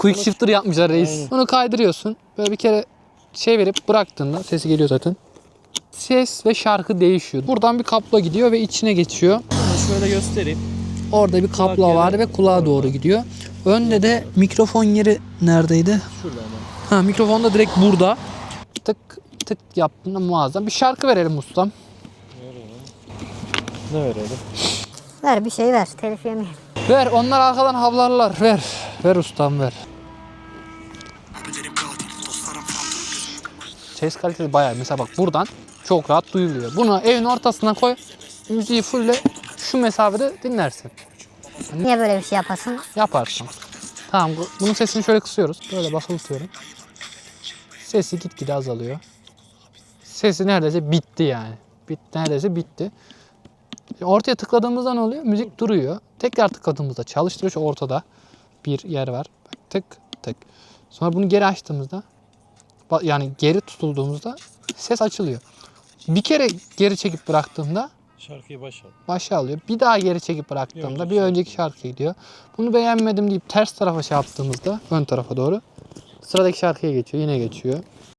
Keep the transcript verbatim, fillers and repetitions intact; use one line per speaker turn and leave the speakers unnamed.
quick shifter yapmışlar reis.
Aynen.
Bunu kaydırıyorsun. Böyle bir kere şey verip bıraktığında sesi geliyor zaten. Ses ve şarkı değişiyor. Buradan bir kablo gidiyor ve içine geçiyor.
Bunu şöyle göstereyim.
Orada bir kablo
Kulak
var
yeri
ve kulağa
orada.
doğru gidiyor. Önde de mikrofon yeri neredeydi?
Şurada ama.
Ha, mikrofon da direkt burada. Tık tık yaptığında muazzam. Bir şarkı verelim ustam.
Ne verelim?
Ver bir şey ver. Telif yemeyelim.
Ver, onlar arkadan havlarlar. Ver. Ver ustam ver. Ses kalitesi bayağı. Mesela bak buradan çok rahat duyuluyor. Bunu evin ortasına koy. Müziği fulle şu mesafede dinlersin.
Niye böyle bir şey yapasın?
Yaparsın. Tamam, bu- bunun sesini şöyle kısıyoruz. Böyle basılı tutuyorum. Sesi gitgide azalıyor. Sesi neredeyse bitti yani. Bit, neredeyse bitti. Ortaya tıkladığımızda ne oluyor? Müzik duruyor. Tekrar tıkladığımızda çalıştırıyor. Şu ortada bir yer var. Bak, tık tık. Sonra bunu geri açtığımızda, ba- yani geri tutulduğumuzda ses açılıyor. Bir kere geri çekip bıraktığımda
Şarkıyı başa.
başa alıyor. Bir daha geri çekip bıraktığımda
önceki
bir önceki şarkıya gidiyor. Bunu beğenmedim deyip ters tarafa şey yaptığımızda ön tarafa doğru sıradaki şarkıya geçiyor. Yine geçiyor.